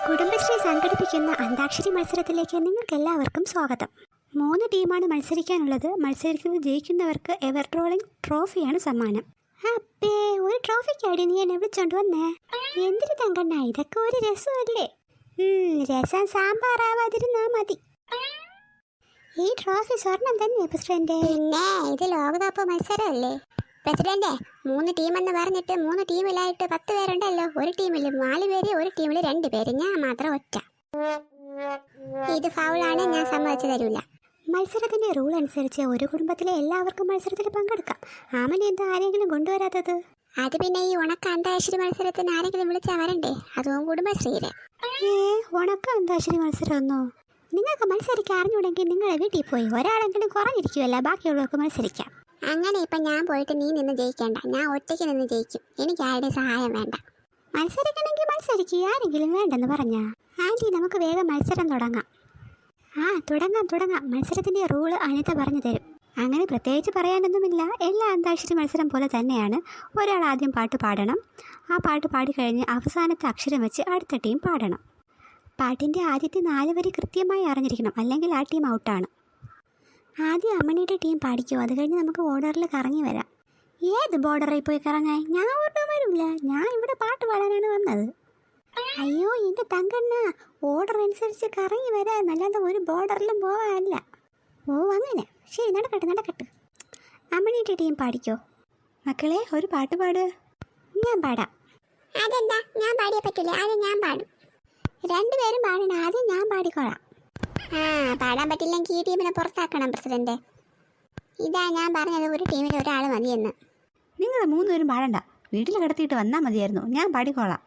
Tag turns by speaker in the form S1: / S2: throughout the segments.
S1: കുടുംബശ്രീ സംഘടിപ്പിക്കുന്ന അന്താക്ഷരി മത്സരത്തിലേക്ക് നിങ്ങൾക്കെല്ലാവർക്കും സ്വാഗതം. 3 ടീമാണ് മത്സരിക്കാനുള്ളത്. മത്സരിക്കുന്നത് ജയിക്കുന്നവർക്ക് എവർ റോളിംഗ് ട്രോഫിയാണ് സമ്മാനം. അപ്പേ, ഒരു ട്രോഫിക്കാടി നീ എന്നെ വിളിച്ചോണ്ട് വന്നേ? എന്തിനു തങ്കണ്ണ, ഇതൊക്കെ ഒരു രസമല്ലേ? രസം സാമ്പാറാവാതിരുന്നാ മതി. ഈ ട്രോഫി സ്വർണം തന്നെ പ്രസിഡന്റ്. പിന്നെ ഇത് ലോകകപ്പ് മത്സരമല്ലേ പ്രസിഡന്റ്? 3 ടീമെന്ന് പറഞ്ഞിട്ട് 3 ടീമിലായിട്ട് 10 പേരുണ്ടല്ലോ. ഒരു ടീമിൽ 4 പേര്, ഒരു ടീമിൽ 2 പേര്, ഞാൻ മാത്രം ഒറ്റ. ഇത് ഫൗളാണ്, ഞാൻ സമ്മതിച്ചു തരൂല. മത്സരത്തിന്റെ റൂൾ അനുസരിച്ച് ഒരു കുടുംബത്തിലെ എല്ലാവർക്കും മത്സരത്തിൽ പങ്കെടുക്കാം. ആമനെ എന്താ ആരെങ്കിലും കൊണ്ടുവരാത്തത്? അത് പിന്നെ ഈ ഉണക്ക അന്താക്ഷരി മത്സരത്തിന് ആരെങ്കിലും വിളിച്ചാൽ വരണ്ടേ? അതും കുടുംബശ്രീയില്. ഉണക്ക അന്താക്ഷരി മത്സരമൊന്നോ? നിങ്ങൾക്ക് മത്സരിക്കാൻ അറിഞ്ഞൂടെങ്കിൽ നിങ്ങളെ വീട്ടിൽ പോയി ഒരാളെങ്കിലും കുറഞ്ഞിരിക്കുമല്ല, ബാക്കിയുള്ളവർക്ക് മത്സരിക്കാം. അങ്ങനെ ഇപ്പം ഞാൻ പോയിട്ട് നീ നിന്ന് ജയിക്കേണ്ട, ഞാൻ ഒറ്റയ്ക്ക് നിന്ന് ജയിക്കും. എനിക്ക് ആരുടെയും സഹായം വേണ്ട. മത്സരിക്കണമെങ്കിൽ മത്സരിക്കുക, ആരെങ്കിലും വേണ്ടെന്ന് പറഞ്ഞാ. ആൻറ്റി, നമുക്ക് വേഗം മത്സരം തുടങ്ങാം. തുടങ്ങാം. മത്സരത്തിൻ്റെ റൂള് അനിത പറഞ്ഞു തരും. അങ്ങനെ പ്രത്യേകിച്ച് പറയാനൊന്നുമില്ല. എല്ലാ അന്താക്ഷരി മത്സരം പോലെ തന്നെയാണ്. ഒരാൾ ആദ്യം പാട്ട് പാടണം. ആ പാട്ട് പാടിക്കഴിഞ്ഞ് അവസാനത്തെ അക്ഷരം വെച്ച് അടുത്ത ടീം പാടണം. പാട്ടിൻ്റെ ആദ്യത്തെ 4 വരി കൃത്യമായി അറിഞ്ഞിരിക്കണം, അല്ലെങ്കിൽ ആ ടീം ഔട്ടാണ്. ആദ്യം അമ്മണിയുടെ ടീം പാടിക്കോ, അത് കഴിഞ്ഞ് നമുക്ക് ഓർഡറിൽ കറങ്ങി വരാം. ഏത് ബോർഡറിൽ പോയി കറങ്ങാൻ? ഞാൻ ഓർഡർ വരില്ല, ഞാൻ ഇവിടെ പാട്ട് പാടാനാണ് വന്നത്. അയ്യോ എൻ്റെ തങ്കണ്ണ, ഓർഡർ അനുസരിച്ച് കറങ്ങി വരാൻ, അല്ലാതെ ഒരു ബോർഡറിലും പോവാനല്ല. ഓ അങ്ങനെ, ശരി, നടക്കട്ടെ. അമ്മണിയുടെ ടീം പാടിക്കോ. മക്കളെ, ഒരു പാട്ട് പാട്. ഞാൻ പാടാം. അതെന്താ, ഞാൻ പാടിയേ പറ്റില്ല, ആദ്യം ഞാൻ പാടും. 2 പേരും പാടണം, ആദ്യം ഞാൻ പാടിക്കോളാം. പാടാൻ പറ്റില്ലെങ്കിൽ ഈ ടീമിനെ പുറത്താക്കണം പ്രസിഡന്റ്. ഇതാ ഞാൻ പറഞ്ഞത്, ഒരു ടീമിൽ ഒരാൾ മതിയെന്ന്.
S2: നിങ്ങൾ 3 പേരും പാടണ്ട, വീട്ടിൽ കിടത്തിയിട്ട് വന്നാൽ മതിയായിരുന്നു, ഞാൻ പാടിക്കോളാം.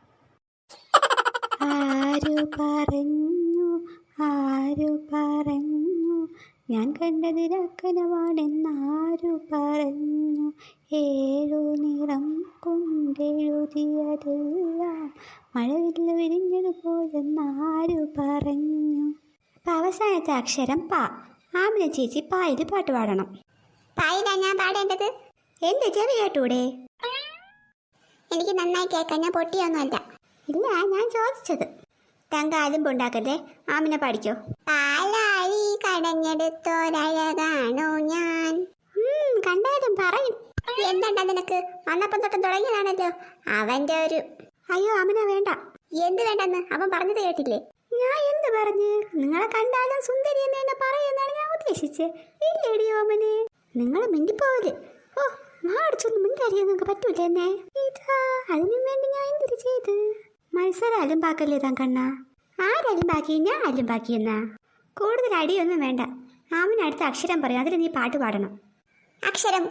S1: ആരു പറഞ്ഞു ഞാൻ കണ്ടതിരക്കനവാണെന്നാരു പറഞ്ഞു? 7 നിറം കൊണ്ടെഴുതിയതെല്ലാം മഴവില്ല വിരിഞ്ഞതുപോലെന്നാരു പറഞ്ഞു? അപ്പം അവസാനത്തെ അക്ഷരം പ. ആമിന ചേച്ചി പായിൽ പാട്ട് പാടണം. പായിലാ ഞാൻ പാടേണ്ടത്? എൻ്റെ ചെവി കേട്ടൂടെ? എനിക്ക് നന്നായി കേൾക്കാം, ഞാൻ പൊട്ടിയൊന്നുമല്ല. ഇല്ല, ഞാൻ ചോദിച്ചത്. തങ്ക ആലുമ്പുണ്ടാക്കല്ലേ, ആമിന പാടിക്കോ. പാലാഴി കടഞ്ഞെടുത്തോരഴകാണോ ഞാൻ? കണ്ടാലും പറയും. എന്താണ്ടാ നിനക്ക്? വന്നപ്പം തൊട്ടും തുടങ്ങിയതാണല്ലോ അവൻ്റെ ഒരു. അയ്യോ ആമിന വേണ്ട. എന്ത് വേണ്ടെന്ന് അവൻ പറഞ്ഞത് കേട്ടില്ലേ? ഞാൻ എന്ത് പറഞ്ഞ്? നിങ്ങളെ കണ്ടാലും സുന്ദരി എന്ന് തന്നെ പറയുമെന്നാണ് ഞാൻ ഉദ്ദേശിച്ചത്. ഇല്ലേടി ഓമനെ, നിങ്ങൾ മിണ്ടിപ്പോവല്. ഓ, മാടിച്ചൊന്നും മിണ്ടറിയാൻ നിങ്ങൾക്ക് പറ്റൂല എന്നെ. ഇതാ അതിനും വേണ്ടി ഞാൻ എന്തിനു ചെയ്ത്? മത്സരം അലുമ്പാക്കല്ലേ തങ്കണ്ണ? ആരലുമ്പാക്കി? ഞാൻ അലുമ്പാക്കിയെന്നാ? കൂടുതൽ അടിയൊന്നും വേണ്ട. ആമിന് അടുത്ത അക്ഷരം പറയും, അതിൽ നീ പാട്ട് പാടണം. അക്ഷരം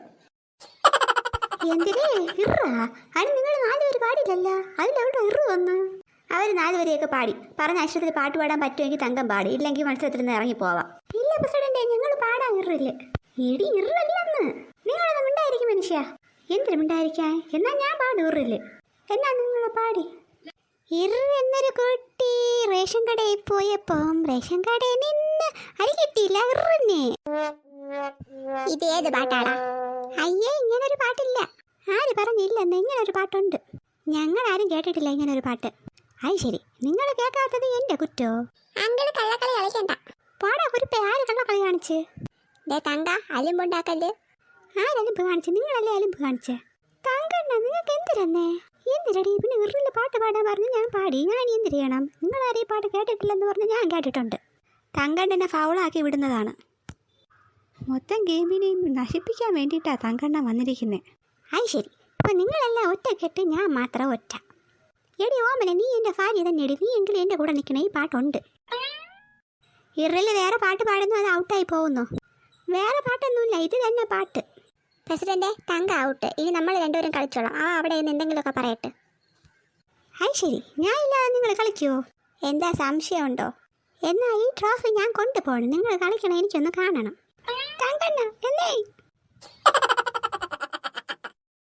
S1: എന്തിനേ ഇറാ? അതിന് നിങ്ങൾ 4 പേര് പാടില്ലല്ലോ, അതിലെവിടെ ഇറു വന്ന്? അവർ 4 വരെയൊക്കെ പാടി. പറഞ്ഞ അക്ഷരത്തിൽ പാട്ട് പാടാൻ പറ്റുമെങ്കിൽ തങ്കം പാടി, ഇല്ലെങ്കിൽ മത്സരത്തിൽ നിന്ന് ഇറങ്ങി പോവാം. ഇല്ല പ്രസിഡന്റ്, ഞങ്ങൾ പാടാൻ ഇറില്ല. എടി ഇറല്ലെന്ന്. നിങ്ങളൊന്നും മിണ്ടായിരിക്കും മനുഷ്യ. എന്തിനു മിണ്ടായിരിക്കാൻ? എന്നാൽ ഞാൻ പാടും ഇറില്ല. എന്നാ നിങ്ങൾ പാടി. ഇറ് എന്നൊരു കുട്ടി റേഷൻ കടയിൽ പോയപ്പം റേഷൻ കടയിൽ നിന്ന് അരി കിട്ടിയില്ല ഇറന്നെ. ഇതേത് പാട്ടാടാ? അയ്യേ, ഇങ്ങനൊരു പാട്ടില്ല. ആര് പറഞ്ഞില്ലെന്ന്? ഇങ്ങനൊരു പാട്ടുണ്ട്. ഞങ്ങൾ ആരും കേട്ടിട്ടില്ല ഇങ്ങനൊരു പാട്ട്. അത് ശരി, നിങ്ങൾ കേൾക്കാത്തത് എൻ്റെ കുറ്റോ? അങ്ങനെ കള്ളക്കളി കളിക്കണ്ട. പാടാ കുരിപ്പേ, ആര് കള്ളക്കളി കാണിച്ച്? തങ്ക അലുമ്പുണ്ടാക്കല്ലേ? ആരലുമ്പ് കാണിച്ച്? നിങ്ങളല്ലേ അലുമ്പ് കാണിച്ചേ? തങ്കണ്ണ, നിങ്ങൾക്ക് എന്തിരന്നേ? എന്തിരടി പിന്നെ ഇറിൽ പാട്ട് പാടാൻ പറഞ്ഞ് ഞാൻ പാടി. ഞാൻ എന്തിനു ചെയ്യണം? നിങ്ങളാരെയും പാട്ട് കേട്ടിട്ടില്ലെന്ന് പറഞ്ഞ് ഞാൻ കേട്ടിട്ടുണ്ട്.
S2: തങ്കണ്ണനെ ഫൗളാക്കി വിടുന്നതാണ്. മൊത്തം ഗെയിമിനെയും നശിപ്പിക്കാൻ വേണ്ടിയിട്ടാണ് തങ്കണ്ണ വന്നിരിക്കുന്നത്.
S1: അത് ശരി, അപ്പം നിങ്ങളെല്ലാം ഒറ്റ കെട്ട്, ഞാൻ മാത്രം ഒറ്റ. എടി ഓമന, നീ എൻ്റെ ഭാര്യ തന്നെ എടി. നീ എങ്കിലും എൻ്റെ കൂടെ നിൽക്കണേ. ഈ പാട്ടുണ്ട്. ഇറിൽ വേറെ പാട്ട് പാടുന്നു, അത് ഔട്ടായി പോകുന്നു. വേറെ പാട്ടൊന്നുമില്ല, ഇത് തന്നെ പാട്ട്. പ്രസിഡന്റ്, തങ്ക ഔട്ട്. ഇനി നമ്മൾ 2 പേരും കളിച്ചോളാം. അവിടെ നിന്ന് എന്തെങ്കിലുമൊക്കെ പറയട്ടെ. അത് ശരി, ഞാൻ ഇല്ലാതെ നിങ്ങൾ കളിക്കുമോ? എന്താ സംശയമുണ്ടോ? എന്നാൽ ഈ ട്രോഫി ഞാൻ കൊണ്ടുപോകണം. നിങ്ങൾ കളിക്കണം, എനിക്കൊന്ന് കാണണം. തങ്കണ്ണ എന്നേ